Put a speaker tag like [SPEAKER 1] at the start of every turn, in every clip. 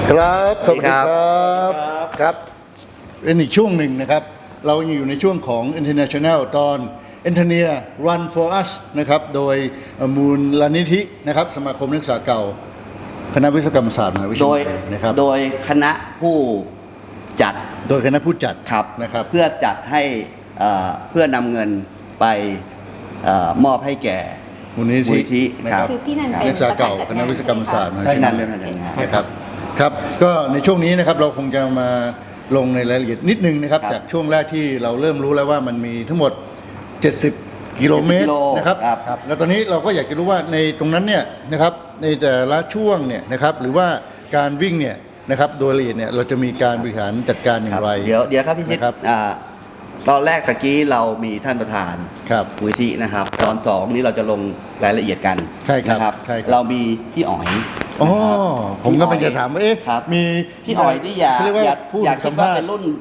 [SPEAKER 1] ครับสวัสดีครับครับเป็นอีกช่วงหนึ่งนะครับเราอยู่ในช่วงของ International ตอน Engineer Run for Us นะครับโดยมูลนิธินะครับสมาคมนักศึกษาเก่าคณะวิศวกรรมศาสตร์มหาวิทยาลัยนะครับ
[SPEAKER 2] โดยคณะผู้จัด
[SPEAKER 1] คณะผู้จัด
[SPEAKER 2] ครับ
[SPEAKER 1] นะครับ
[SPEAKER 2] เพื่อจัดให้เพื่อนำเงินไปมอบให้แก่
[SPEAKER 1] มูลนิธิ
[SPEAKER 2] นะครับ
[SPEAKER 3] คือพี่นันเป็น
[SPEAKER 1] นักศึกษาเก่าคณะวิศวกรรมศาสตร์มหาวิทยาลัย
[SPEAKER 2] นะครับ
[SPEAKER 1] ครับก็ในช่วงนี้นะครับเราคงจะมาลงในรายละเอียดนิดนึงนะครับจากช่วงแรกที่เราเริ่มรู้แล้วว่ามันมีทั้งหมด70 กิโลเมตรนะครับแล้วตอนนี้เราก็อยากจะรู้ว่าในตรงนั้นเนี่ยนะครับในแต่ละช่วงเนี่ยนะครับหรือว่าการวิ่งเนี่ยนะครับโดยละเอียดเนี่ยเราจะมีการบริหารจัดการอย่างไร
[SPEAKER 2] เดี๋ยวครับพี่ชิดตอนแรกตะกี้เรามีท่านประธานมูลนิธินะครับตอน2นี้เราจะลงรายละเอียดกัน
[SPEAKER 1] ใช่ครับ
[SPEAKER 2] เรามีพี่อ๋อย
[SPEAKER 1] อ๋อผมก็เป็นจะถามว่ามี
[SPEAKER 2] พี่อ๋อยนี่อย่าคิดว่าเป็นรุ่น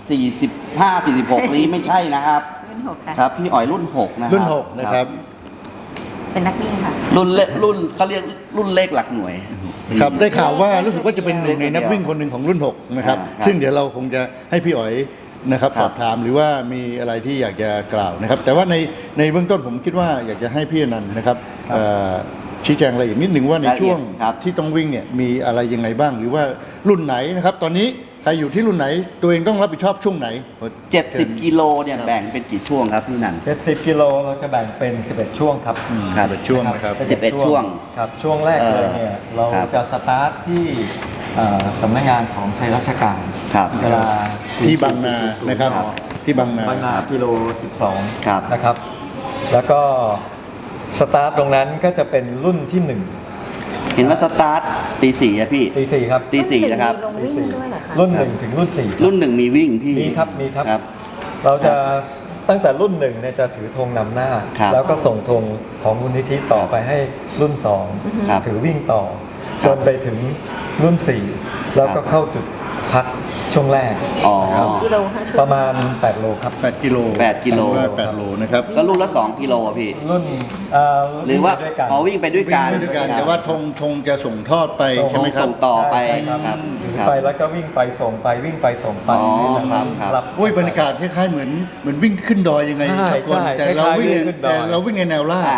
[SPEAKER 2] 45 46นี้ไม่ใช่นะครับ
[SPEAKER 3] รุ่น6ค่ะ
[SPEAKER 2] ครับพี่อ๋อยรุ่น6นะครับ
[SPEAKER 1] รุ่น6นะครับ
[SPEAKER 3] เป็นนักวิ่งค่ะ
[SPEAKER 2] รุ่นเขาเรียกรุ่นเลขหลักหน่วย
[SPEAKER 1] ครับได้ข่าวว่ารู้สึกว่าจะเป็นหนึ่งในนักวิ่งคนหนึ่งของรุ่น6นะครับซึ่งเดี๋ยวเราคงจะให้พี่อ๋อยนะครับสอบถามหรือว่ามีอะไรที่อยากจะกล่าวนะครับแต่ว่าในเบื้องต้นผมคิดว่าอยากจะให้พี่อนันต์นะครับชี้แจงอะไรอีกนิดหนึ่งว่าในช่วงที่ต้องวิ่งเนี่ยมีอะไรยังไงบ้างหรือว่ารุ่นไหนนะครับตอนนี้ใครอยู่ที่รุ่นไหนตัวเองต้องรับผิดชอบช่วงไหน
[SPEAKER 2] 70 กิโลเนี่ยแบ่งเป็นกี่ช่วงครับพี่นัน
[SPEAKER 4] 70 กิโลเราจะแบ่งเป็น11ช่วงครับ
[SPEAKER 1] 11ช่วงนะครับ
[SPEAKER 2] 11ช่วง
[SPEAKER 4] ครับช่วงแรกเลยเนี่ยเราจะสตาร์ทที่สำนักงานของชัยราชการเวลา
[SPEAKER 1] ที่บางนานะครับที่บางนา
[SPEAKER 4] กิโล12นะครับแล้วก็สตาร์ทตรงนั้นก็จะเป็นรุ่นที่1
[SPEAKER 2] เห็นว่าสตาร์ทตี4อะพี่
[SPEAKER 4] ตี4ครับ
[SPEAKER 2] ตี4นะครับ
[SPEAKER 4] รุ่น1ถึงรุ่น4
[SPEAKER 2] รุ่น1มีวิ่งพี่
[SPEAKER 4] มีครับเราจะตั้งแต่รุ่น1เนี่ยจะถือธงนำหน้าแล้วก็ส่งธงของมูลนิธิต่อไปให้รุ่น2ถือวิ่งต่อจนไปถึงรุ่น4แล้วก็เข้าจุดพักช่วงแรก
[SPEAKER 3] กิโล
[SPEAKER 4] ประมาณ8โลครับ
[SPEAKER 1] 8กิโล8โลนะครับ
[SPEAKER 2] ก็รุ่นละ2กิโลพี่
[SPEAKER 4] รุ่น
[SPEAKER 2] หรือว่าวิ่งไปด้วยกัน
[SPEAKER 1] แต่ว่าธงจะส่งทอดไปใช่ไหมครับ
[SPEAKER 2] ส่งต่อไป
[SPEAKER 4] ครับไปแล้วก็วิ่งไปส่งไปวิ่งไปส่งไป
[SPEAKER 1] ครับบรรยากาศคล้ายๆเหมือนวิ่งขึ้นดอยยังไงครับแต่เราวิ่งในแนวราบ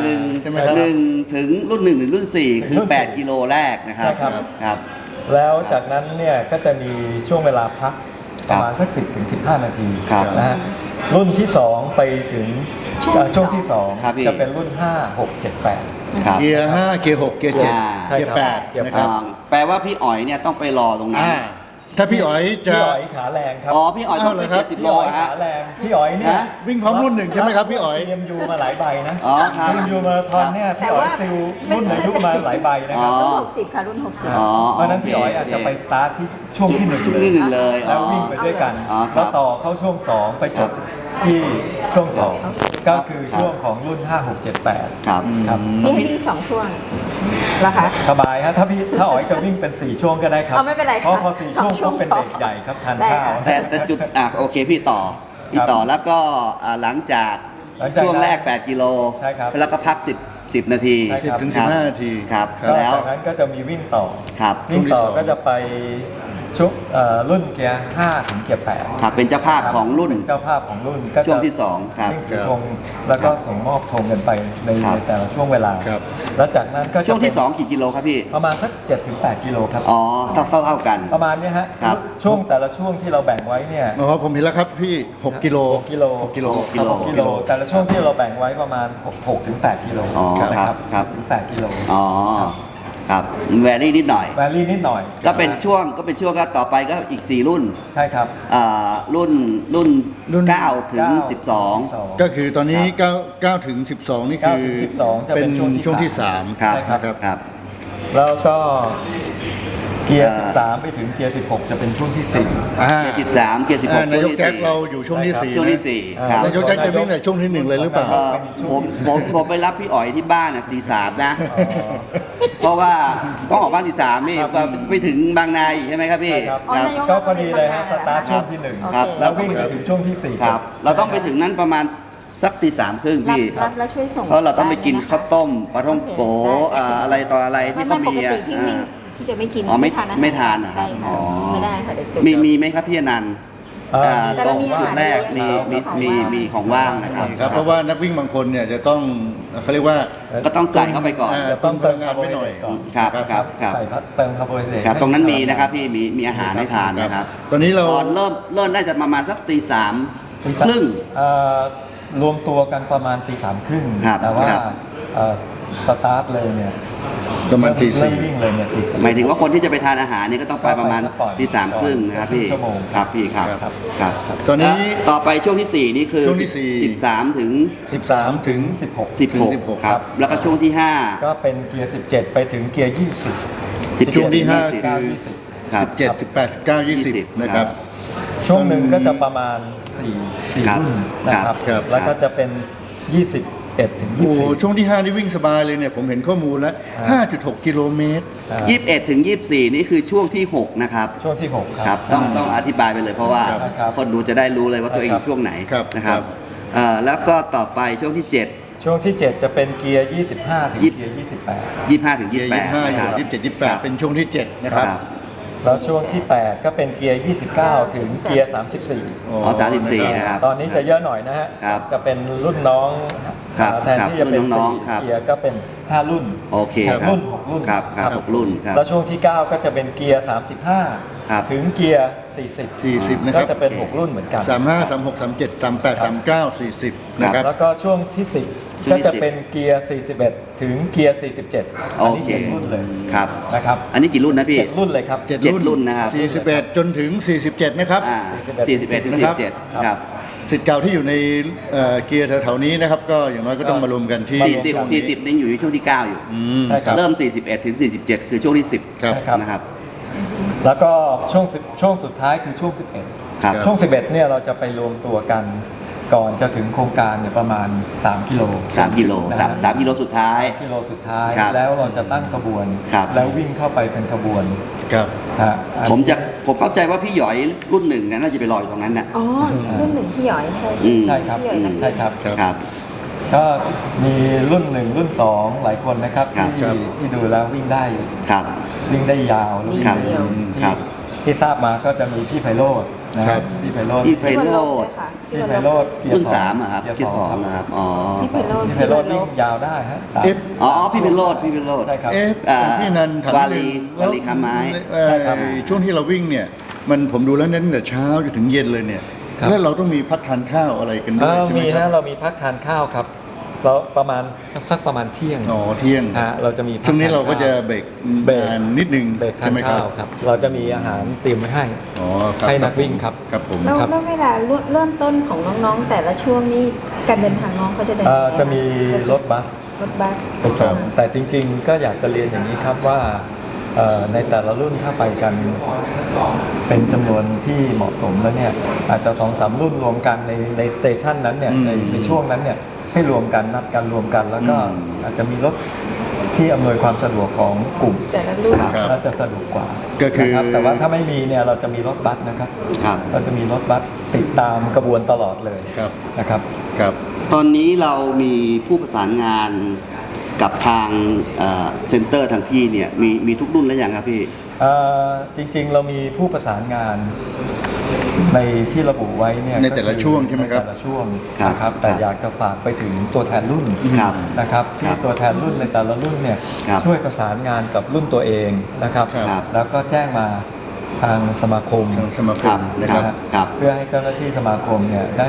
[SPEAKER 2] 1ถึงรุ่น1ถึงรุ่น4คือ8กิโลแรกนะครับครับ
[SPEAKER 4] แล้วจากนั้นเนี่ยก็จะมีช่วงเวลาพักประมาณสัก10 ถึง 15 นาทีนะฮะรุ่นที่2ไปถึงช่วงที่2จะเป็นรุ่น5 6 7 8
[SPEAKER 1] เกียร์5เกียร์6เกียร์7เกียร์8นะครับ
[SPEAKER 2] แปลว่าพี่อ๋อยเนี่ยต้องไปรอตรงนั้น
[SPEAKER 1] ถ้าพี่อ๋อยจะ
[SPEAKER 4] พี่อ๋อยขาแรงครับ
[SPEAKER 2] พี่อ๋อยต้องเป็น70 โล
[SPEAKER 4] ขาแรงพี่อ๋อยเนี่ย
[SPEAKER 1] วิ่งพร้อมรุ่น1ใช่ไหมครับพี่อ๋อย
[SPEAKER 4] TMU มาหลายใบนะ
[SPEAKER 2] ครับ
[SPEAKER 4] TMU มาราธอนเนี่ยพี่อ๋อยซิลรุ่นอายุมาหลายใบนะครับ
[SPEAKER 3] รุ่น60ค่ะรุ่น60
[SPEAKER 4] เพราะนั้นพี่อ๋อยอาจจะไปสตาร์ทที่ช่วงที่
[SPEAKER 2] 1เลย
[SPEAKER 4] แล้ววิ่งไปด้วยกันแล้วต่อเข้าช่วง2ไปจบที่ช่วง2ก็คือช่วงของรุ่น5 6 7 8
[SPEAKER 2] ครับ
[SPEAKER 3] นี่ให้วิ่ง2ช่วงแล้วคะ
[SPEAKER 4] สบายฮะถ้าอ๋อยจะวิ่งเป็น4ช่วงก็ได้ครับ
[SPEAKER 3] ไม่เป็นไร
[SPEAKER 4] เพราะพอ4ช่วงก็เป็นเด็กใหญ่ครับทานข้าว
[SPEAKER 2] แต่จุดโอเคพี่ต่อแล้วก็หลังจากช่วงแรก8กิโลแล้วก็พัก10 นาที
[SPEAKER 1] 10 ถึง 15 นาที
[SPEAKER 2] ครับ
[SPEAKER 4] แล้วจากนั้นก็จะมีวิ่งต่อวิ่งต่อก็จะไปชุดรุ่นเกียร์5 ถึงเกียร์8
[SPEAKER 2] ครับเป็นเจ้าภาพของรุ่น
[SPEAKER 4] เจ้าภาพของรุ่นก็
[SPEAKER 2] ช่วงที่2ครับ
[SPEAKER 4] วิ่งถือธงแล้วก็ส่งมอบธงกันไปในแต่ละช่วงเวลาแล้วจากนั้นก็
[SPEAKER 2] ช่วงที่2กี่กิโลครับพี่
[SPEAKER 4] ประมาณสัก7 ถึง 8 กิโลครับ
[SPEAKER 2] เท่ากัน
[SPEAKER 4] ประมาณนี้ฮะช่วงแต่ละช่วงที่เราแบ่งไว้เนี่ย
[SPEAKER 1] ผมเห็นแล้วครับพี่6 กิโล
[SPEAKER 4] แต่ละช่วงที่เราแบ่งไว้ประมาณ6 ถึง 8 กิโล
[SPEAKER 2] ครับ
[SPEAKER 4] ถึง8 กิโล
[SPEAKER 2] ครับแวรี่นิดหน่อยก็เป็นช่วงก็ต่อไปก็อีก4รุ่น
[SPEAKER 4] ใช่ครับ
[SPEAKER 2] รุ่น9 ถึง 12
[SPEAKER 1] ก็คือตอนนี้9 ถึง 12นี่คือเป็นช่วงที่3
[SPEAKER 2] ครับ
[SPEAKER 4] แล้วก็เกียร์13ไปถึงเกียร์16จะเป็นช่วงที่4
[SPEAKER 2] เกียร์13เกียร์16
[SPEAKER 1] นายกแจ็คเราอยู่ช่วงที่
[SPEAKER 2] 4ครับ
[SPEAKER 1] นายกแจ็คจะวิ่งในช่วงที่1เลยหรือเปล่า
[SPEAKER 2] ผมไปรับพี่อ๋อยที่บ้านตี 3นะเพราะว่าต้องออกบ้านตี 3นี่ก็ไปถึงบางนาอีกใช่ไหมครับพี่
[SPEAKER 4] ก็พอดีเลยฮะสตาร์ทช่วงที่1แล้ววิ่งไปถึงช่วงที่4
[SPEAKER 2] ครับเราต้องไปถึงนั้นประมาณสักตี 3 ครึ่งพี่
[SPEAKER 3] รับแล้วช่วยส่ง
[SPEAKER 2] เพราะเราต้องไปกินข้าวต้มปลาท่องโกอะไรต่ออะไรที่เขามี
[SPEAKER 3] พี่จะไม่กิน
[SPEAKER 2] อ๋อไม่
[SPEAKER 3] ทานอาหาร
[SPEAKER 2] ไม่ทานเหรอครับ
[SPEAKER 3] ใช่
[SPEAKER 2] อ๋
[SPEAKER 3] ค่ะ
[SPEAKER 2] อ
[SPEAKER 3] ไม่ได้ค่ะเดี๋ยวจุด
[SPEAKER 2] มีไหมครับพี่อนันต์
[SPEAKER 3] แต่เรามีอาหาร
[SPEAKER 2] จุดแรกมี
[SPEAKER 3] เลี้ยง
[SPEAKER 2] มีของว่างนะครับ
[SPEAKER 1] ครับเพราะว่านักวิ่งบางคนเนี่ยจะต้องเขาเรียกว่า
[SPEAKER 2] ก็ต้องใส่เข้าไปก่อน
[SPEAKER 4] จะต้องเติม
[SPEAKER 1] พลังงานไว้หน่อย
[SPEAKER 4] ก่อน
[SPEAKER 2] ครับครับครับ
[SPEAKER 4] ใส่เติมคาร์โบไฮเดรต
[SPEAKER 2] ครับตรงนั้นมีนะครับพี่มีอาหารให้ทานนะครับ
[SPEAKER 1] ตอนนี้เรา
[SPEAKER 2] เริ่มน่าจะประมาณสักตีสาม
[SPEAKER 4] ตี
[SPEAKER 2] ครึ่ง
[SPEAKER 4] รวมตัวกันประมาณตี 3:30
[SPEAKER 2] ครับ
[SPEAKER 4] แต่ว่า
[SPEAKER 2] ครับ
[SPEAKER 4] สตาร์ทเลยเนี่ย
[SPEAKER 1] ประมาณตี
[SPEAKER 4] เริ่
[SPEAKER 1] สี่
[SPEAKER 4] มวิ่งเลยเนี่ยตี
[SPEAKER 2] หมายถึงว่าคนที่จะไปทานอาหารนี่ก็ต้องไปประมาณ
[SPEAKER 4] ก็ไปสักก่อน
[SPEAKER 2] ตีสามครึ่งนะครับพี่
[SPEAKER 4] ชั่วโมง
[SPEAKER 2] ครับพี่ครับ
[SPEAKER 1] ครับ
[SPEAKER 2] ครับ
[SPEAKER 1] ตอนนี้
[SPEAKER 2] แล้วต่อไปช่วงที่ 4 นี่คือ
[SPEAKER 1] ช่วงที่สี่
[SPEAKER 2] 13 ถึง
[SPEAKER 1] 13 ถึง
[SPEAKER 4] 16
[SPEAKER 2] 16 ครับ แล้วก็ช่วงที่
[SPEAKER 4] ก็เป็นเกียร์ 17 ไปถึงเกียร์ 20
[SPEAKER 2] 5
[SPEAKER 1] ช่วงที่
[SPEAKER 2] 17
[SPEAKER 1] ห้า
[SPEAKER 2] 20
[SPEAKER 1] คือ
[SPEAKER 2] ครับ
[SPEAKER 1] 17 18 19 20 นะครับ
[SPEAKER 4] ช่วงหนึ่งก็จะประมาณ4
[SPEAKER 2] ครับ
[SPEAKER 4] รุ่นนะครับ
[SPEAKER 1] ครับ
[SPEAKER 4] แล้วก็จะเป็น 21 ถึง
[SPEAKER 1] โอ้โห
[SPEAKER 4] 24
[SPEAKER 1] ช่วงที่ 5 นี่วิ่งสบายเลยเนี่ย ผมเห็นข้อมูลแล้ว 5.6 กิโลเมตร
[SPEAKER 2] 21 ถึง 24 นี่คือช่วงที่ 6 นะครับ
[SPEAKER 4] ช่วงที่ 6
[SPEAKER 2] ค
[SPEAKER 4] ค
[SPEAKER 2] รั
[SPEAKER 4] รั
[SPEAKER 2] บบ ต้องอธิบายไปเลยเพราะว่า
[SPEAKER 4] ครับ
[SPEAKER 2] คนดูจะได้รู้เลยว่าตัวเองอยู่ช่วงไหน
[SPEAKER 1] ครับ
[SPEAKER 2] นะครับ
[SPEAKER 1] ครับ
[SPEAKER 2] แล้วก็ต่อไปช่วงที่ 7
[SPEAKER 4] ช่วงที่ 7 จะเป็นเกียร์ 25 ถึง
[SPEAKER 2] ยี่สิบ
[SPEAKER 4] เกียร์
[SPEAKER 2] 25 ถึง
[SPEAKER 1] เกียร์
[SPEAKER 2] 28
[SPEAKER 1] 25
[SPEAKER 2] นะครับ
[SPEAKER 1] 27 28 เป็นช่วงที่ 7 นะครับ
[SPEAKER 2] ครับ
[SPEAKER 4] 28 แล้วช่วงที่ 8 ก็เป็นเกียร์ 29 ถึงเกียร์ 34
[SPEAKER 2] อ๋อ34 นะครับ
[SPEAKER 4] ตอนนี้จะเยอะหน่อยนะฮะ
[SPEAKER 2] ครับ
[SPEAKER 4] จะเป็นรุ่นน้อง
[SPEAKER 2] ครับ
[SPEAKER 4] แทนที่จะเป็น
[SPEAKER 2] รุ่นน้องๆครับ
[SPEAKER 4] 4เกียร์ก็เป็น 5 รุ่น
[SPEAKER 2] โอเค
[SPEAKER 4] หก
[SPEAKER 2] ครับ
[SPEAKER 4] รุ่น6รุ่น
[SPEAKER 2] ครับครับ6รุ่นครับ
[SPEAKER 4] แล้วช่วงที่ 9 ก็จะเป็นเกียร์
[SPEAKER 2] ครับ
[SPEAKER 4] 35 ถึงเกียร์ 40
[SPEAKER 1] 40 นะค
[SPEAKER 4] ก็
[SPEAKER 1] รับ
[SPEAKER 4] จะเป็น 6 รุ่นเหมือนกัน
[SPEAKER 1] 35 36 37 38 39 40 นะครับ
[SPEAKER 4] แล้วก็ช่วงที่
[SPEAKER 2] ช่ว
[SPEAKER 4] 10
[SPEAKER 2] ง
[SPEAKER 4] ก็
[SPEAKER 2] ที่
[SPEAKER 4] จะ
[SPEAKER 2] 10
[SPEAKER 4] เป็นเกียร์ 41 ถึงเกียร์ 47
[SPEAKER 2] โอ
[SPEAKER 4] อันนี้
[SPEAKER 2] เค
[SPEAKER 4] 7รุ่นเลย
[SPEAKER 2] ครับ
[SPEAKER 4] นะครับ
[SPEAKER 2] อันนี้กี่รุ่นนะพี่
[SPEAKER 4] 7รุ่นเลยครับ
[SPEAKER 1] 7
[SPEAKER 2] เจ็ดรุ่นนะครับ
[SPEAKER 1] 41 จนถึง 47 นะครับ
[SPEAKER 2] 41 ถึง
[SPEAKER 1] นะครับ
[SPEAKER 2] 47 ครับ
[SPEAKER 1] สิทธิ์เก่าที่อยู่ในเกียร์แถวๆนี้นะครับ ก็อย่างน้อยก็ต้องมารวมกันที่
[SPEAKER 2] 40นี่อยู่ในช่วงที่ 9 อยู่
[SPEAKER 4] ใช่ครับ
[SPEAKER 2] เริ่ม 41 ถึง 47 คือช่วงที่
[SPEAKER 1] ครับ
[SPEAKER 4] ใช่
[SPEAKER 2] 10 นะครับ
[SPEAKER 4] แล้วก็ช่วงสุดท้ายคือช่วง 11
[SPEAKER 2] ครับ
[SPEAKER 4] ช่วง 11 เนี่ยเราจะไปรวมตัวกันก่อนจะถึงโครงการเนี่ยประมาณ 3 กิโล
[SPEAKER 2] 3 กิโล
[SPEAKER 4] นะฮะ
[SPEAKER 2] 3 กิโลสุดท้าย
[SPEAKER 4] กิโลสุดท้าย
[SPEAKER 2] ครับ
[SPEAKER 4] แล้วเราจะตั้งขบวน
[SPEAKER 2] ครับ
[SPEAKER 4] แล้ววิ่งเข้าไปเป็นขบวน
[SPEAKER 1] ครับ
[SPEAKER 4] ฮะอัน
[SPEAKER 2] ผมเข้าใจว่าพี่หยอยรุ่นหนึ่งเนี่ยน่าจะไปรออยู่ตรงนั้นน่ะ
[SPEAKER 3] อ๋อ รุ่นหนึ่งพี่หยอยใช่
[SPEAKER 2] อืม
[SPEAKER 4] ใช่ครับ
[SPEAKER 3] พี่หยอยนักวิ่ง
[SPEAKER 4] ใช่ครับ
[SPEAKER 1] ครับ
[SPEAKER 2] ครับ
[SPEAKER 4] ก็มีรุ่น 1 รุ่น 2 หลายคนนะครับ
[SPEAKER 2] ครับ
[SPEAKER 4] ที่ดูแล้ววิ่งได้
[SPEAKER 2] ครับ
[SPEAKER 4] วิ่งได้ยาวแล้ววิ่ง
[SPEAKER 2] ครับ
[SPEAKER 4] ได้เร็ว
[SPEAKER 2] ครับ
[SPEAKER 4] ที่ทราบมาก็จะมีพี่ไพโรจน์นะครับ พี่ไพโรจน์
[SPEAKER 2] พี่ไพโรจน์
[SPEAKER 4] พี่ไพโรจน์เกีย
[SPEAKER 2] รุ่น
[SPEAKER 4] สอง
[SPEAKER 2] 3อะครับ
[SPEAKER 4] เกียร์
[SPEAKER 2] ที่
[SPEAKER 4] สอง
[SPEAKER 2] 2นะครับ อ๋อ
[SPEAKER 3] พี่ไพโรจน์
[SPEAKER 4] พี่ไพโรจน์วิ่งยาวได้ฮะ
[SPEAKER 1] เอฟ
[SPEAKER 2] อ๋อ พี่เป็นโรดพี่เป็นโรด
[SPEAKER 4] ใช่ครับ
[SPEAKER 1] เอ๊ะ
[SPEAKER 2] อ่า
[SPEAKER 1] พี่นันถาม
[SPEAKER 2] วา
[SPEAKER 1] นิด
[SPEAKER 2] ลี
[SPEAKER 1] นึง
[SPEAKER 2] วาลีค้าไม้
[SPEAKER 1] แล้ว
[SPEAKER 4] ใช่ครับ
[SPEAKER 1] ช่วงที่เราวิ่งเนี่ย มันผมดูแล้วเน้นแต่เช้าจนถึงเย็นเลยเนี่ย
[SPEAKER 4] ครับ
[SPEAKER 1] แล้วเราต้องมีพักทานข้าวอะไรกันด้วยใช่ไหม
[SPEAKER 4] มี
[SPEAKER 1] ครั
[SPEAKER 4] นะ
[SPEAKER 1] บ
[SPEAKER 4] เรามีพักทานข้าวครับเราประมาณสักประมาณเที่ยง
[SPEAKER 1] อ๋อเที่ยง
[SPEAKER 4] ฮะเราจะมีพัก
[SPEAKER 1] ช่วงนี้เราก็จะ
[SPEAKER 4] ทนข้
[SPEAKER 1] เบรก
[SPEAKER 4] เบรก
[SPEAKER 1] งานนิดนึง
[SPEAKER 4] เบรกทา
[SPEAKER 1] ใช่
[SPEAKER 4] น
[SPEAKER 1] ไหมครั
[SPEAKER 4] ข้า
[SPEAKER 1] บ
[SPEAKER 4] วครับ เราจะมีอาหารเตรียมไว้ให้
[SPEAKER 1] อ๋อครับ
[SPEAKER 4] ให้นักวิ่งครับ
[SPEAKER 1] ครับผม
[SPEAKER 3] แล้ว
[SPEAKER 4] ครับ
[SPEAKER 3] แล้วเวลาเริ่มต้นของน้องๆ แต่ละช่วงนี้การเดินทางน้องเขาจะเดินยังไง
[SPEAKER 4] จะมีรถบัส
[SPEAKER 3] รถบัส
[SPEAKER 4] ไปส่งแต่จริงๆ ก็อยากจะเรียนอย่างนี้ครับว่าในแต่ละรุ่นถ้าไปกันเป็นจำนวนที่เหมาะสมแล้วเนี่ยอาจจะ2-3 รุ่นรวมกันในสเตชันนั้นเนี่ยในช่วงนั้นเนี่ยให้รวมกันนัดกันรวมกัน แล้วก็อาจจะมีรถที่อำนวยความสะดวกของกลุ่ม
[SPEAKER 3] แต่ละรุ่น
[SPEAKER 1] ครับ
[SPEAKER 4] น่าจะสะดวกกว่า
[SPEAKER 1] ก็คือ
[SPEAKER 4] นะครับแต่ว่าถ้าไม่มีเนี่ยเราจะมีรถบัสนะครับ
[SPEAKER 2] ครับ
[SPEAKER 4] เราจะมีรถบัสติดตามกระบวนตลอดเลย
[SPEAKER 1] ครับ
[SPEAKER 4] นะครับ
[SPEAKER 1] ครับ
[SPEAKER 2] ตอนนี้เรามีผู้ประสานงานกับทางเซ็นเตอร์ทางพี่เนี่ยมีทุกรุ่นแล้วยังครับพี่
[SPEAKER 4] จริงๆเรามีผู้ประสานงานในที่ระบุไว้เนี่ย
[SPEAKER 1] ในแต่ละ
[SPEAKER 4] ก็อ
[SPEAKER 1] ช่วงใช่ไหมครับ
[SPEAKER 4] ในแต่ละช่วง
[SPEAKER 2] ครับ
[SPEAKER 4] นะครับแต่
[SPEAKER 2] ครับ
[SPEAKER 4] อยากจะฝากไปถึงตัวแทนรุ่น
[SPEAKER 2] ครับ
[SPEAKER 4] นะครับที่
[SPEAKER 2] ครับ
[SPEAKER 4] ตัวแทนรุ่นในแต่ละรุ่นเนี่ย
[SPEAKER 2] ครับ
[SPEAKER 4] ช่วยประสานงานกับรุ่นตัวเองนะครับ
[SPEAKER 2] ครับ
[SPEAKER 4] แล้วก็แจ้งมาทางสมาคม
[SPEAKER 1] ทางสมาค
[SPEAKER 2] ครั
[SPEAKER 1] ม
[SPEAKER 2] บ
[SPEAKER 1] นะครับ
[SPEAKER 4] นะฮะ
[SPEAKER 2] ครับ
[SPEAKER 4] เพื่อให้เจ้าหน้าที่สมาคมเนี่ยได้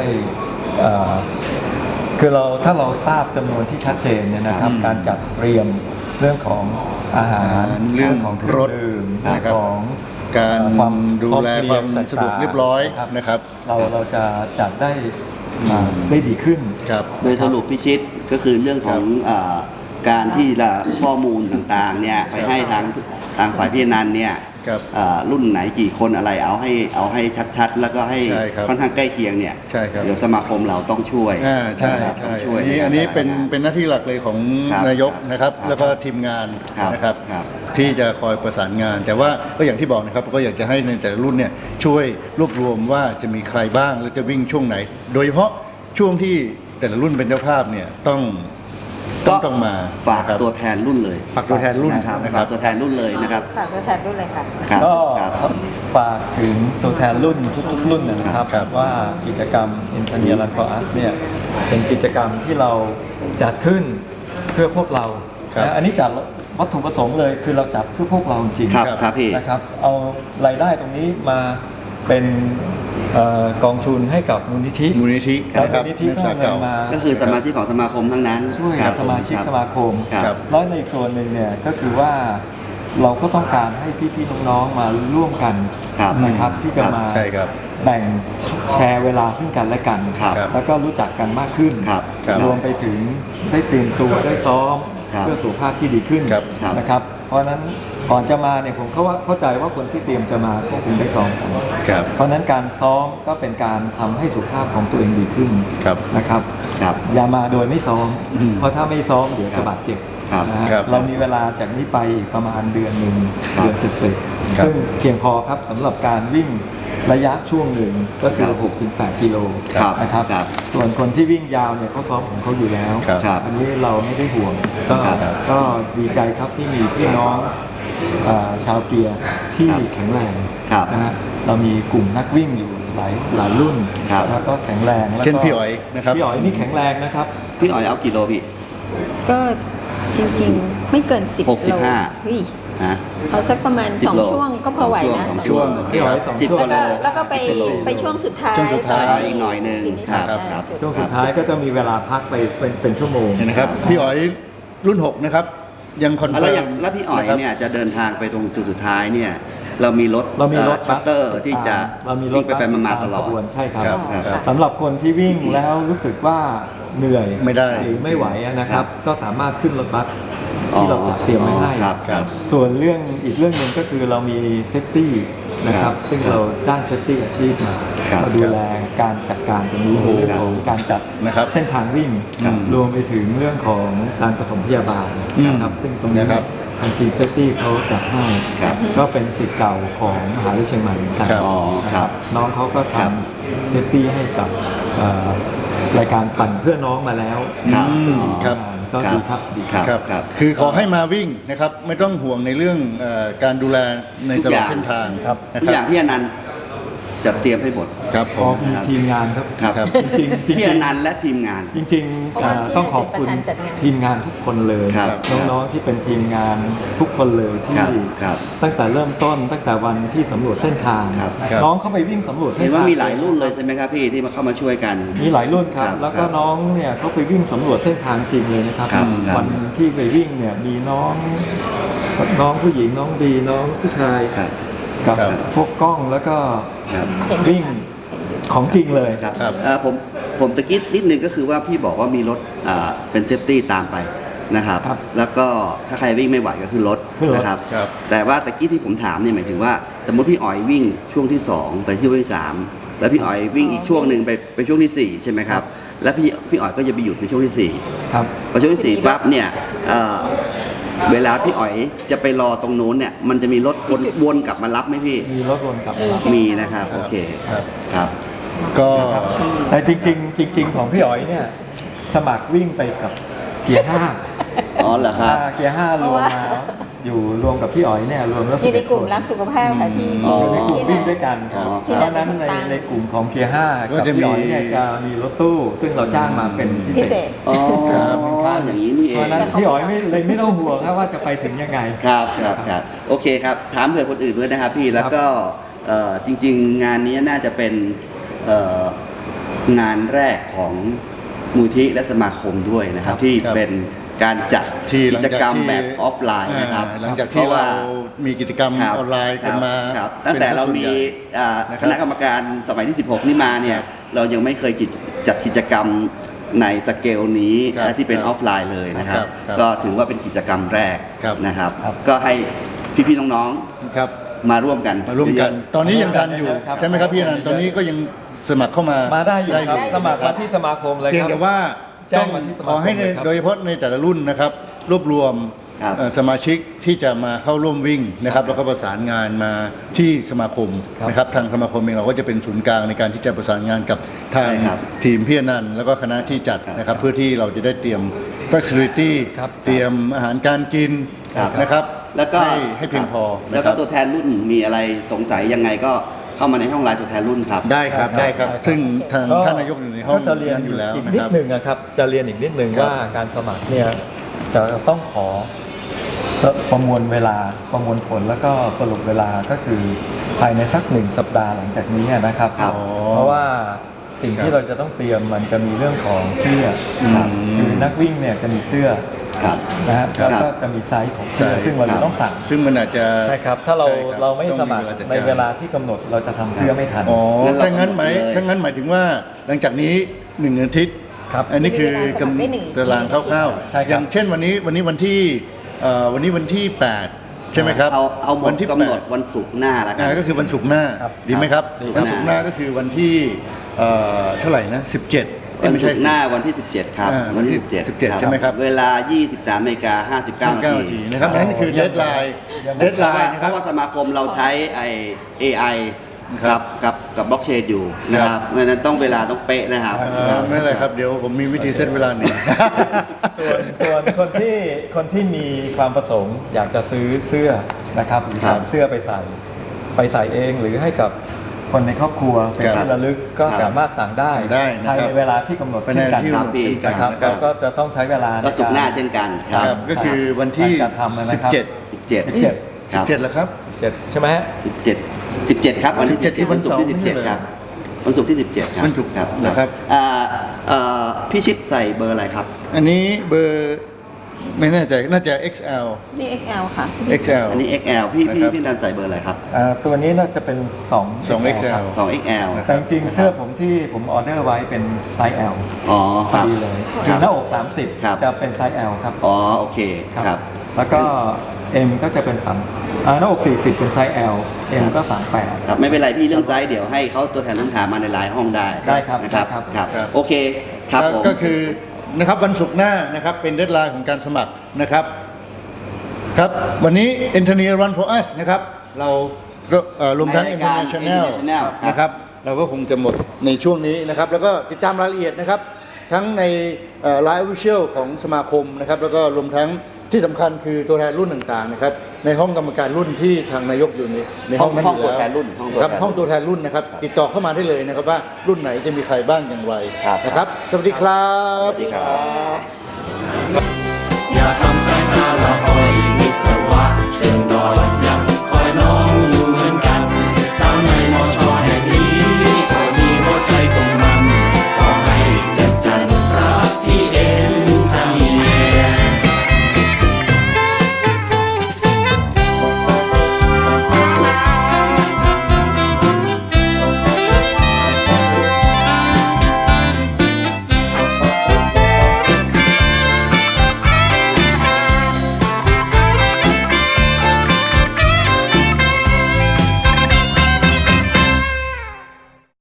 [SPEAKER 4] คือถ้าเราทราบจำนวนที่ชัดเจนเนี่ยนะครับ
[SPEAKER 1] ครับ
[SPEAKER 4] การจัดเตรียมเรื่องของอาหาร
[SPEAKER 1] เรื่อง
[SPEAKER 4] ของเค
[SPEAKER 1] ร
[SPEAKER 4] รื่อง
[SPEAKER 1] ถ
[SPEAKER 4] ดื่ม
[SPEAKER 1] นะครับ
[SPEAKER 4] ของ
[SPEAKER 1] การดูแล
[SPEAKER 4] พ
[SPEAKER 1] ความ
[SPEAKER 4] เพยง
[SPEAKER 1] สะดวก
[SPEAKER 4] ต่างๆ
[SPEAKER 1] เรียบร้อย
[SPEAKER 4] นะ
[SPEAKER 1] นะครับ
[SPEAKER 4] เราจะจัดได้ได้ดีขึ้น
[SPEAKER 1] ครับ
[SPEAKER 2] โดยสรุปพิชิตก็คือเรื่องของการที่ละข้อมูลต่างๆเนี่ยไปให้ทางฝ่ายพี่อนันต์เนี่ย
[SPEAKER 1] ครับ
[SPEAKER 2] รุ่นไหนกี่คนอะไรเอาให้ชัดๆ แล้วก็ให้
[SPEAKER 1] ใช่ครับ
[SPEAKER 2] ค่อนข้างใกล้เคียงเนี่ย
[SPEAKER 1] ใช่ครับ
[SPEAKER 2] เดี๋ยวสมาคมเราต้องช่วย
[SPEAKER 1] ใช่
[SPEAKER 2] นะครับ
[SPEAKER 1] ใช่
[SPEAKER 2] ต้องช่วย
[SPEAKER 1] อันนี้
[SPEAKER 2] ใการ
[SPEAKER 1] เป็น
[SPEAKER 2] ทำงา
[SPEAKER 1] เป็นหน้าที่หลักเลยของ
[SPEAKER 2] ครับ
[SPEAKER 1] นายกนะครับ
[SPEAKER 2] ครับ
[SPEAKER 1] แล้วก็ทีมงาน
[SPEAKER 2] ครับ
[SPEAKER 1] นะครับ
[SPEAKER 2] ครับ
[SPEAKER 1] ที่จะคอยประสานงาน แต่ว่าก็อย่างที่บอกนะครับก็อยากจะให้ในแต่ละรุ่นเนี่ยช่วยรวบรวมว่าจะมีใครบ้างและจะวิ่งช่วงไหน โดยเฉพาะช่วงที่แต่ละรุ่นเป็นเจ้าภาพเนี่ยต้องต้องมา
[SPEAKER 2] ฝาก
[SPEAKER 1] นะครับ
[SPEAKER 2] ตัวแทนรุ่นเลย
[SPEAKER 1] ฝากตัวแทนรุ่น
[SPEAKER 2] นะครับ
[SPEAKER 1] นะค
[SPEAKER 2] ฝา
[SPEAKER 1] รั
[SPEAKER 2] ก
[SPEAKER 1] บ
[SPEAKER 2] ตัวแทนรุ่นเลยนะครับ
[SPEAKER 3] ฝากตัวแทนรุ่นเลยค่ะ
[SPEAKER 2] ครับ
[SPEAKER 4] ก็
[SPEAKER 2] ครับ
[SPEAKER 4] ฝากถึงตัวแทนรุ่นทุกๆรุ่นนะครับ
[SPEAKER 1] ครับ
[SPEAKER 4] ว่ากิจกรรม Engineer Run for Us เนี่ยเป็นกิจกรรมที่เราจัดขึ้นเพื่อพวกเรา
[SPEAKER 1] ครับ
[SPEAKER 4] นะอันนี้จัดวัตถุประสงค์เลยคือเราจัดเพื่อพวกเราจริง
[SPEAKER 2] ครับครับพี่
[SPEAKER 4] นะครับเอารายได้ตรงนี้มาเป็นกองทุนให้กับมูลนิธิ
[SPEAKER 1] มูลนิธิ
[SPEAKER 4] แล้ว
[SPEAKER 1] นะครับ
[SPEAKER 4] มูลนิธิ
[SPEAKER 1] นัก
[SPEAKER 4] ก็
[SPEAKER 1] ศึกษา
[SPEAKER 4] เอาเงิ
[SPEAKER 1] เก่า
[SPEAKER 4] นมา
[SPEAKER 2] ก็คือสมาชิกของสมาคมทั้งนั้น
[SPEAKER 4] ช่วย
[SPEAKER 2] ครับ
[SPEAKER 4] สมาชิก
[SPEAKER 2] ครับ
[SPEAKER 4] สมาคม
[SPEAKER 2] ครับ
[SPEAKER 4] แล้วในอีกส่วนหนึ่งเนี่ยก็คือว่าเราก็ต้องการให้พี่ๆน้องๆมาร่วมกัน
[SPEAKER 2] ครับ
[SPEAKER 4] นะครับที่จะมา
[SPEAKER 1] ใช่ครับ
[SPEAKER 4] แบ่งแชร์เวลาซึ่งกันและกัน
[SPEAKER 2] ครับ
[SPEAKER 4] แล้วก็รู้จักกันมากขึ้น
[SPEAKER 2] ครับ
[SPEAKER 1] ครับ
[SPEAKER 4] รวมไปถึงได้เตรียมตัวได้ซ้อม
[SPEAKER 2] ครับ
[SPEAKER 4] เพื่อสุขภาพที่ดีขึ้น
[SPEAKER 1] ครับ
[SPEAKER 2] ครับ
[SPEAKER 4] นะครับ เพราะฉะนั้นก่อนจะมาเนี่ยผมเข้าใจว่าคนที่เตรียมจะมาก็คงได้ซ้อมกัน
[SPEAKER 1] ครับ
[SPEAKER 4] เพราะฉะนั้นการซ้อมก็เป็นการทำให้สุขภาพของตัวเองดีขึ้น
[SPEAKER 1] ครับ
[SPEAKER 4] นะครับ
[SPEAKER 2] ครับ
[SPEAKER 4] อย่ามาโดยไม่ซ้อม
[SPEAKER 1] อืม
[SPEAKER 4] เพราะถ้าไม่ซ้อมเดี๋ยวจะบาดเจ็บ
[SPEAKER 2] ครับ
[SPEAKER 4] นะฮะ
[SPEAKER 1] ครับ
[SPEAKER 4] เรามีเวลาจากนี้ไปอีกประมาณเดือนหนึ่ง
[SPEAKER 2] ครับ
[SPEAKER 4] เดือนเสร็จ
[SPEAKER 1] ครับ
[SPEAKER 4] ซึ่งเพียงพอครับสำหรับการวิ่งระยะช่วงหนึ่งก็คือ 6-8 กิโล
[SPEAKER 2] ครับ
[SPEAKER 4] นะครับ
[SPEAKER 2] ครับ
[SPEAKER 4] ส่วนคนที่วิ่งยาวเนี่ยเขาซ้อมของเขาอยู่แล้ว
[SPEAKER 1] ครับ
[SPEAKER 2] ครับ
[SPEAKER 4] อันนี้เราไม่ได้ห่วงก็
[SPEAKER 2] ครับ
[SPEAKER 4] ก็ดีใจครับที่มีพี่น้องชาวเกียร์ที่
[SPEAKER 2] ครับ
[SPEAKER 4] แข็งแรง
[SPEAKER 2] ครับ
[SPEAKER 4] นะฮะเรามีกลุ่มนักวิ่งอยู่หลายรุ่น
[SPEAKER 2] ครับ
[SPEAKER 4] แล้วก็แข็งแรงแล้วก็
[SPEAKER 1] เช่นพี่อ๋อยนะครับ
[SPEAKER 4] พี่อ๋อยนี่แข็งแรงนะครับ
[SPEAKER 2] พี่อ๋อยเอากี่โลพี่
[SPEAKER 3] ก็จริงๆไม่เกิน 10 โล
[SPEAKER 2] 65
[SPEAKER 3] เฮ้ย
[SPEAKER 2] ฮะ
[SPEAKER 3] เอาสักประมาณ
[SPEAKER 2] 10 โล
[SPEAKER 3] 2 ช่วงก็พอไหวนะ
[SPEAKER 2] สอง
[SPEAKER 1] ช่วง
[SPEAKER 4] พี่อ๋อยสอง
[SPEAKER 2] สิบ
[SPEAKER 4] ช่วง
[SPEAKER 3] แล้วก็ไปช่วงสุดท้าย
[SPEAKER 1] ช่วงสุดท้าย
[SPEAKER 3] ตนที่
[SPEAKER 2] อีกหน่อยหนึ่ง
[SPEAKER 3] ฟินิช
[SPEAKER 2] ครับ
[SPEAKER 3] ได้
[SPEAKER 2] ครับ
[SPEAKER 3] จุด
[SPEAKER 4] ช่วงสุดท้ายก็จะมีเวลาพักไปเป็นชั่วโมง
[SPEAKER 1] เห็นนะครับ พี่อ๋อยรุ่น 6 นะครับ ยังคอน
[SPEAKER 2] แล้ว
[SPEAKER 1] เฟิ
[SPEAKER 2] อ
[SPEAKER 1] ร์
[SPEAKER 2] ย่าง
[SPEAKER 1] ม
[SPEAKER 2] แล้วพี่อ๋อย
[SPEAKER 1] ะครับ
[SPEAKER 2] เนี่ยจะเดินทางไปตรงจุดสุดท้ายเนี่ยเรามีรถ
[SPEAKER 4] เรามีรถ
[SPEAKER 2] ชัตเตอร์ที่จะ
[SPEAKER 4] เรามีร
[SPEAKER 2] วิ่
[SPEAKER 4] ถ
[SPEAKER 2] งไปมาๆตลอด
[SPEAKER 4] ขบวนใช่ครับ
[SPEAKER 1] ครับครับ
[SPEAKER 4] สำหรับคนที่วิ่งแล้วรู้สึกว่าเหนื่อย
[SPEAKER 1] ไม่ได้
[SPEAKER 4] หรือไม่ไหวนะครับ
[SPEAKER 2] ครับ
[SPEAKER 4] ก็สามารถขึ้นรถบัสที่เราจัดเตรียมไว้ให้
[SPEAKER 2] ครับ
[SPEAKER 1] ครับ
[SPEAKER 4] ส่วนอีกเรื่องหนึ่งก็คือเรามีเซฟตี้นะครับ ซึ่งเราจ้างเซฟตี้อาชีพมา
[SPEAKER 2] ครับ
[SPEAKER 4] มาดูแลการจัดการตรงนี้ในเรื่องของการจัด
[SPEAKER 1] นะครับ
[SPEAKER 4] เส้นทางวิ่ง
[SPEAKER 2] ครับ
[SPEAKER 4] รวมไปถึงเรื่องของการปฐมพยาบาลนะครับ ซึ่งตรงนี้
[SPEAKER 1] นะครับ
[SPEAKER 4] ทางทีมเซฟตี้เขาจัดให้
[SPEAKER 2] ครับ
[SPEAKER 4] ก็เป็นสิทธิ์เก่าของมหาวิทยาลัยเชียงใหม่เหมือนกัน
[SPEAKER 1] ครับ
[SPEAKER 2] อ๋อ
[SPEAKER 4] นะครับ น้องเขาก็
[SPEAKER 2] ครับ
[SPEAKER 4] ทำเซฟตี้ให้กับรายการปั่นเพื่อน้องมาแล้ว
[SPEAKER 2] ครับ
[SPEAKER 1] ครับ
[SPEAKER 4] ก็ดีครับดีครับ
[SPEAKER 2] ครับครับ
[SPEAKER 1] คือขอให้มาวิ่งนะครับ ไม่ต้องห่วงในเรื่องการดูแลในตลอดเส้นทาง
[SPEAKER 4] ครับ
[SPEAKER 1] นะ
[SPEAKER 2] ทุก
[SPEAKER 1] ค
[SPEAKER 2] อย่า
[SPEAKER 1] รั
[SPEAKER 2] ง
[SPEAKER 1] บ
[SPEAKER 2] พี่อนันต์จะเตรียมให้หมด
[SPEAKER 1] ครับผ
[SPEAKER 4] พอ
[SPEAKER 1] ม
[SPEAKER 4] มีทีมงานครับ
[SPEAKER 2] ครับ
[SPEAKER 1] ครับ
[SPEAKER 4] จริงๆจริง
[SPEAKER 2] พี่อ
[SPEAKER 4] ๆ
[SPEAKER 2] นันต์และทีมงาน
[SPEAKER 4] จริง
[SPEAKER 3] เพราะว่า
[SPEAKER 4] ๆต้องขอบคุณ
[SPEAKER 3] พี่เป็นประธานจัดงาน
[SPEAKER 4] ทีมงานทุกคนเลย
[SPEAKER 2] ครับ
[SPEAKER 4] น้องๆที่เป็นทีมงานทุกคนเลยที่
[SPEAKER 2] ครับครับ
[SPEAKER 4] ตั้งแต่เริ่มต้นตั้งแต่วันที่สำรวจเส้นทาง
[SPEAKER 2] ครับ
[SPEAKER 1] ครับ
[SPEAKER 4] น้องเข้าไปวิ่งสำรวจเส้นทาง
[SPEAKER 2] เห็นว่ามีหลายรุ่นเลยใช่ไหมครับพี่ที่มาเข้ามาช่วยกัน
[SPEAKER 4] มีหลายรุ่นครับ
[SPEAKER 2] ครับ
[SPEAKER 4] แล้วก็
[SPEAKER 2] ครับ
[SPEAKER 4] น้องเนี่ยเขาไปวิ่งสำรวจเส้นทางจริงเลยนะครับ
[SPEAKER 2] ครับครับ
[SPEAKER 4] วันที่ไปวิ่งเนี่ยมีน้องผู้หญิงน้องบีน้องผู้ชาย
[SPEAKER 2] ครับ
[SPEAKER 4] กับ
[SPEAKER 1] ครับ
[SPEAKER 4] พวกกล้องแล้วก็
[SPEAKER 2] ครับ
[SPEAKER 3] เห็นไหม
[SPEAKER 4] วิ่ง
[SPEAKER 3] คะ
[SPEAKER 4] ของจริงเลย
[SPEAKER 2] ครับ
[SPEAKER 1] ครับ
[SPEAKER 2] ผมจะคิดนิดนึงก็คือว่าพี่บอกว่ามีรถเป็นเซฟตี้ตามไปนะครับ
[SPEAKER 4] ครับ
[SPEAKER 2] แล้วก็ถ้าใครวิ่งไม่ไหวก็คือรถ
[SPEAKER 4] ขึ้นรถ
[SPEAKER 2] นะครับ
[SPEAKER 1] ครับ
[SPEAKER 2] แต่ว่าตะกี้ที่ผมถามเนี่ยหมายถึงว่าสมมติพี่อ๋อยวิ่งช่วงที่ 2 ไปที่วงที่ 3 แล้วพี่อ๋อยวิ่งอีกช่วงหนึ่งไปช่วงที่ 4 ใช่ไหมครับ แล้วพี่อ๋อยก็จะไปหยุดในช่วงที่
[SPEAKER 4] ครับ
[SPEAKER 2] 4พอช่วงที่ 4ปั๊บเนี่ยเวลาพี่อ๋อยจะไปรอตรงนู้นเนี่ยมันจะมีรถวนกลับมารับไหมพี่
[SPEAKER 4] มีรถวนกลับมา
[SPEAKER 3] มีใช่ไห
[SPEAKER 2] มีนะครับโอเค
[SPEAKER 1] ครับ
[SPEAKER 2] ครับ
[SPEAKER 1] ก็
[SPEAKER 4] แต่จริง ๆ ของพี่อ๋อยเนี่ยสมัครวิ่งไปกับเกียร์
[SPEAKER 2] อ๋อเหรอครับ
[SPEAKER 4] เกียร์5รวมมาอยู่รวมกับพี่อ๋อยเนี่ยรวมแล้ว
[SPEAKER 3] อยู่ในกลุ่ม
[SPEAKER 4] 11
[SPEAKER 3] รักสุขภาพค่ะที่
[SPEAKER 2] อ๋อ
[SPEAKER 4] อยู่ในกลุ่ม
[SPEAKER 3] ที่
[SPEAKER 4] วิ่ง
[SPEAKER 3] นั่น
[SPEAKER 4] ด้วยกัน
[SPEAKER 2] อ๋อ
[SPEAKER 3] ที่
[SPEAKER 4] เพ
[SPEAKER 3] นั่
[SPEAKER 4] ราะฉะนั้น
[SPEAKER 3] เป็นคนตั้ง
[SPEAKER 4] ในกลุ่มของเกียร์5
[SPEAKER 1] ก็
[SPEAKER 4] กับ
[SPEAKER 1] จะมี
[SPEAKER 4] พี่อ๋อยเนี่ยจะมีรถตู้ ซึ่งเราจ้างมาเป็นพิ
[SPEAKER 3] พิ
[SPEAKER 4] เศ
[SPEAKER 3] เศ
[SPEAKER 4] ษ
[SPEAKER 3] ษ
[SPEAKER 2] อ๋อ
[SPEAKER 1] ครับ
[SPEAKER 2] อย่างนี้นี่เอ
[SPEAKER 4] เพราะ
[SPEAKER 2] ง
[SPEAKER 4] ฉะนั้นพี่อ๋อยเลยไม่ต้องห่วงครับว่าจะไปถึงยังไง
[SPEAKER 2] ครับโอเคครับถามเผื่อคนอื่นด้วยนะครับพี่แล้วก็จริงๆ งานนี้น่าจะเป็นงานแรกของมูลที่และสมาคมด้วยนะครับ ที่
[SPEAKER 1] ครับ
[SPEAKER 2] เป็นการจัด
[SPEAKER 1] ที่ห
[SPEAKER 2] กิ
[SPEAKER 1] ลัง
[SPEAKER 2] จ
[SPEAKER 1] จาก
[SPEAKER 2] กรรม
[SPEAKER 1] ที่
[SPEAKER 2] แบบออฟไลน์นะครับ
[SPEAKER 1] หลังจาก
[SPEAKER 2] เพ
[SPEAKER 1] ที่
[SPEAKER 2] ราะว่า
[SPEAKER 1] เรามีกิจกรรม
[SPEAKER 2] ครับ
[SPEAKER 1] ออนไลน์กันมา
[SPEAKER 2] ครับตั้งแต่เรามี
[SPEAKER 1] นะค
[SPEAKER 2] ครับ ณะกรรมการสมัยที่ 16 นี่มาเนี่ยเรายังไม่เคยจัดกิจกรรมในสเกลนี้
[SPEAKER 1] ครับ
[SPEAKER 2] ที่เป็น
[SPEAKER 1] ครับ
[SPEAKER 2] ออฟไลน์เลยนะครับ
[SPEAKER 1] ครับ
[SPEAKER 2] ก็ถือว่าเป็นกิจกรรมแรก
[SPEAKER 1] ครับ
[SPEAKER 2] นะครับ
[SPEAKER 4] ครับ
[SPEAKER 2] ก็ให้พี่ๆน้อง
[SPEAKER 1] ครับ
[SPEAKER 2] ๆมาร่วมกัน
[SPEAKER 1] มาร่วมกัน
[SPEAKER 2] เยอะ
[SPEAKER 1] ตอนนี้ยังทันอยู่
[SPEAKER 4] ครับ
[SPEAKER 1] ใช่ไหมครับพี่อนันต์ตอนนี้ก็ยังสมัครเข้ามา
[SPEAKER 4] มาได้อยู่ครับ
[SPEAKER 3] ได้
[SPEAKER 4] สมัครมาที่สมาคมเลย
[SPEAKER 1] เพีย
[SPEAKER 4] ค
[SPEAKER 1] ง
[SPEAKER 4] รับ
[SPEAKER 1] แต่ว่า
[SPEAKER 4] แจ้
[SPEAKER 1] ต้อง ง
[SPEAKER 4] มาที่สมาคม
[SPEAKER 1] ขอให้ใน
[SPEAKER 4] เลยครับ
[SPEAKER 1] โดยเฉพาะในแต่ละรุ่นนะครับ รวบรวม
[SPEAKER 2] ครับ
[SPEAKER 1] สมาชิกที่จะมาเข้าร่วมวิ่งนะครับ แล้วก็ประสานงานมาที่สมาคม
[SPEAKER 4] ครับ
[SPEAKER 1] นะครับทางสมาคมเองเราก็จะเป็นศูนย์กลางในการที่จะประสานงานกับทาง
[SPEAKER 2] ใช่ครับ
[SPEAKER 1] ทีมพี่อนันต์แล้วก็คณะที่จัดนะครับ เพื่อที่เราจะได้เตรียม facility
[SPEAKER 4] ครับ
[SPEAKER 1] เตรียมอาหารการกิน
[SPEAKER 2] ครับ
[SPEAKER 1] นะครับ
[SPEAKER 2] แล้วก็
[SPEAKER 1] ให้เพียงพอ
[SPEAKER 2] แล้ว
[SPEAKER 1] นะค
[SPEAKER 2] ก็
[SPEAKER 1] รับ
[SPEAKER 2] ตัวแทนรุ่นมีอะไรสงสัยยังไงก็เข้ามาในห้องไลน์ตัวแทนรุ่นครับ
[SPEAKER 1] ได้ครับได้ครับ
[SPEAKER 4] ได้ครับ
[SPEAKER 1] ซึ่งทางท่านนายกอยู่ในห้อง
[SPEAKER 4] ก็จะเรียน
[SPEAKER 1] นั้นอยู่แล้ว
[SPEAKER 4] อีก
[SPEAKER 1] นะ
[SPEAKER 4] นิ
[SPEAKER 1] ค
[SPEAKER 4] ด
[SPEAKER 1] รับ
[SPEAKER 4] หนึ่งนะครับ จะเรียนอีกนิดหนึ่ง
[SPEAKER 1] ครับ
[SPEAKER 4] ว่าการสมัครเนี่ยจะต้องขอประมวลเวลาประมวลผลแล้วก็สรุปเวลาก็คือภายในสัก1 สัปดาห์หลังจากนี้นะครับ
[SPEAKER 2] ครับ
[SPEAKER 4] เพราะว่าสิ่งที่เราจะต้องเตรียมมันจะมีเรื่องของเสื้อ
[SPEAKER 2] ครับ
[SPEAKER 4] คือนักวิ่งเนี่ยจะมีเสื้อ
[SPEAKER 2] ครับ
[SPEAKER 4] นะฮะ
[SPEAKER 1] ครับ
[SPEAKER 4] แล้วก็จะมีไซส์ของเสื้อ
[SPEAKER 1] ใช่
[SPEAKER 4] ซึ่งเรา
[SPEAKER 2] ครั
[SPEAKER 4] จะ
[SPEAKER 2] บ
[SPEAKER 4] ต้องสั่ง
[SPEAKER 1] ซึ่งมันอาจจะ
[SPEAKER 4] ใช่ครับ ถ้าเรา
[SPEAKER 1] ใช่ครับ
[SPEAKER 4] เราไม่สมัคร
[SPEAKER 1] ต้องมีเวลาจัดการ
[SPEAKER 4] ในเวลาที่กำหนดเราจะทำเสื้อไม่ทัน
[SPEAKER 1] อ๋อ
[SPEAKER 2] งั้นเรา
[SPEAKER 1] ถ้างั้นหมาย
[SPEAKER 2] กำหนดเลย
[SPEAKER 1] ถ้างั้นหมายถึงว่าหลังจากนี้1 อาทิตย์
[SPEAKER 4] ครับ
[SPEAKER 1] อันนี้คือ
[SPEAKER 3] มีเวลาสมัครได้หนึ่ง
[SPEAKER 1] ตารางคร่าว
[SPEAKER 4] ใช่ครับ
[SPEAKER 1] ๆอย่างเช่นวันนี้วันที่8ใช่ไหมครับ
[SPEAKER 2] เอาหม
[SPEAKER 1] วั
[SPEAKER 2] ด
[SPEAKER 1] ที่
[SPEAKER 2] กำหนด
[SPEAKER 1] 8
[SPEAKER 2] วันศุกร์หน้าแล้วกัน
[SPEAKER 1] ก็คือวันศุกร์หน้า
[SPEAKER 4] ครับ
[SPEAKER 1] ดีไหมครับ
[SPEAKER 2] ครับ
[SPEAKER 1] วันศุกร์หน้าก็คือวันที่เท่าไหร่นะ17เอ้ย
[SPEAKER 2] วัน
[SPEAKER 1] ไม่
[SPEAKER 2] ศุ
[SPEAKER 1] ใช่
[SPEAKER 2] กร์หน้าวันที่ 17 ครับ
[SPEAKER 1] วันที่
[SPEAKER 2] 17
[SPEAKER 1] 17ใช่ไหมครับ
[SPEAKER 2] เวลา 23:59 นา
[SPEAKER 1] 9
[SPEAKER 2] ที
[SPEAKER 1] นาทีนะครับนั่นคือเดทไลน์
[SPEAKER 4] ยังไม่
[SPEAKER 1] เดท
[SPEAKER 2] เพ
[SPEAKER 1] ไล
[SPEAKER 2] ราะว่า
[SPEAKER 1] น์นะ
[SPEAKER 2] เพ
[SPEAKER 1] ครับ
[SPEAKER 2] ราะว่าสมาคมเราใช้ไอ้ AI
[SPEAKER 1] ครั
[SPEAKER 2] กับบล็อกเชนอยู่นะครับเพราะฉะนั้นต้องเวลาต้องเป๊ะนะครับ
[SPEAKER 1] ไม่เป็นไรครับเดี๋ยวผมมีวิธีเซตเวลาหนึ่ง
[SPEAKER 4] ส่วนคนที่มีความประสงค์อยากจะซื้อเสื้อนะครับหรือ
[SPEAKER 2] ครับ
[SPEAKER 4] สั่งเสื้อไปใส่เองหรือให้กับคนในครอบครัวเป็น
[SPEAKER 1] ครับ
[SPEAKER 4] ที่ระลึกก็
[SPEAKER 2] ครับ
[SPEAKER 4] สามารถสั่งได้
[SPEAKER 1] ได้นะครับ
[SPEAKER 4] ภายในเวลาที่กำหนด
[SPEAKER 1] ภายใน
[SPEAKER 4] เช่นกัน
[SPEAKER 1] ที่
[SPEAKER 4] ครับ
[SPEAKER 1] กำหนดเช่นกัน
[SPEAKER 4] นะครับ
[SPEAKER 1] นะครับ
[SPEAKER 4] ก็จะต้องใช้เวลา
[SPEAKER 2] ก็ศุกร์หน้าเช่นกันครับ
[SPEAKER 1] ครับก็คือวันที่
[SPEAKER 4] การจัดทำนะครับ
[SPEAKER 1] 17
[SPEAKER 2] 17 ครับ
[SPEAKER 1] 17แล้วครับ
[SPEAKER 4] 17ใช่ไหมฮะ
[SPEAKER 2] 17 ครับวันที่
[SPEAKER 1] 17ที่วันเสาร์
[SPEAKER 2] ที่
[SPEAKER 1] ไม่ใช่เหรอ
[SPEAKER 2] 17 ครับวันศุกร์ที่ 17 ครับ
[SPEAKER 1] วันศุกร์
[SPEAKER 2] ครับ
[SPEAKER 1] นะครับ
[SPEAKER 2] พี่ชิดใส่เบอร์อะไรครับ
[SPEAKER 1] อันนี้เบอร์ไม่แน่ใจน่าจะ XL
[SPEAKER 3] นี่ XL ค่ะ
[SPEAKER 1] XL
[SPEAKER 2] อันนี้ XL พี่
[SPEAKER 1] นะครับ
[SPEAKER 2] พี่นันใส่เบอร์อะไรครับ
[SPEAKER 4] ตัวนี้น่าจะเป็น2
[SPEAKER 1] 2 XL
[SPEAKER 2] ของ XL
[SPEAKER 4] แต่จริงๆเสื้อผมที่ผมออเดอร์ไว้เป็นไซส์ L
[SPEAKER 2] อ๋อ
[SPEAKER 4] พ
[SPEAKER 2] ค
[SPEAKER 4] อ
[SPEAKER 2] รับ
[SPEAKER 4] ดีเลย
[SPEAKER 2] ค
[SPEAKER 4] ถึ
[SPEAKER 2] รั
[SPEAKER 4] ง
[SPEAKER 2] บ
[SPEAKER 4] หน้าอก
[SPEAKER 2] ครับ
[SPEAKER 4] 30 จะเป็นไซส์ L ครับ
[SPEAKER 2] อ๋อโอเคครับ
[SPEAKER 4] แล้วก็ M ก็จะเป็นหน้าอก 40 เป็นไซส์ L M ก็ 38
[SPEAKER 2] ครับไม่เป็นไรพี่เรื่องไซส์เดี๋ยวให้เขาตัวแทนรุ่นถามมาในไลน์ห้องได้
[SPEAKER 4] ได้ครับ
[SPEAKER 2] นะครับ
[SPEAKER 4] ได้ครับ
[SPEAKER 2] ครับ
[SPEAKER 1] ครับ
[SPEAKER 2] โอเคครับผม
[SPEAKER 1] ก็คือนะครับวันศุกร์หน้านะครับเป็นเดดไลน์ของการสมัครนะครับครับวันนี้ Engineer Run for Us นะครับเราก็รวมทั้ง
[SPEAKER 2] ในรายการ
[SPEAKER 1] International
[SPEAKER 2] International ครับ
[SPEAKER 1] นะครับเราก็คงจะหมดในช่วงนี้นะครับแล้วก็ติดตามรายละเอียดนะครับทั้งในไลฟ์วิชวลของสมาคมนะครับแล้วก็รวมทั้งที่สำคัญคือตัวแทนรุ่นต่างๆนะครับในห้องกรรมการรุ่นที่ทางนายกอยู่ในห้องนั้น
[SPEAKER 2] ห้
[SPEAKER 1] อ
[SPEAKER 2] อง
[SPEAKER 1] ยู่
[SPEAKER 2] ตัว
[SPEAKER 1] แล้ว
[SPEAKER 2] แทนรุ่นห้องตัว
[SPEAKER 1] ครับ
[SPEAKER 2] แทนรุ่น
[SPEAKER 1] ห้องตัวแทนรุ่นนะครับติดต่อเข้ามาได้เลยนะครับว่ารุ่นไหนจะมีใครบ้างอย่างไร
[SPEAKER 2] ครับ
[SPEAKER 1] นะครับสวัสดีครับ
[SPEAKER 2] สวัสดีครับ
[SPEAKER 5] อย่าทำสายตาละอ่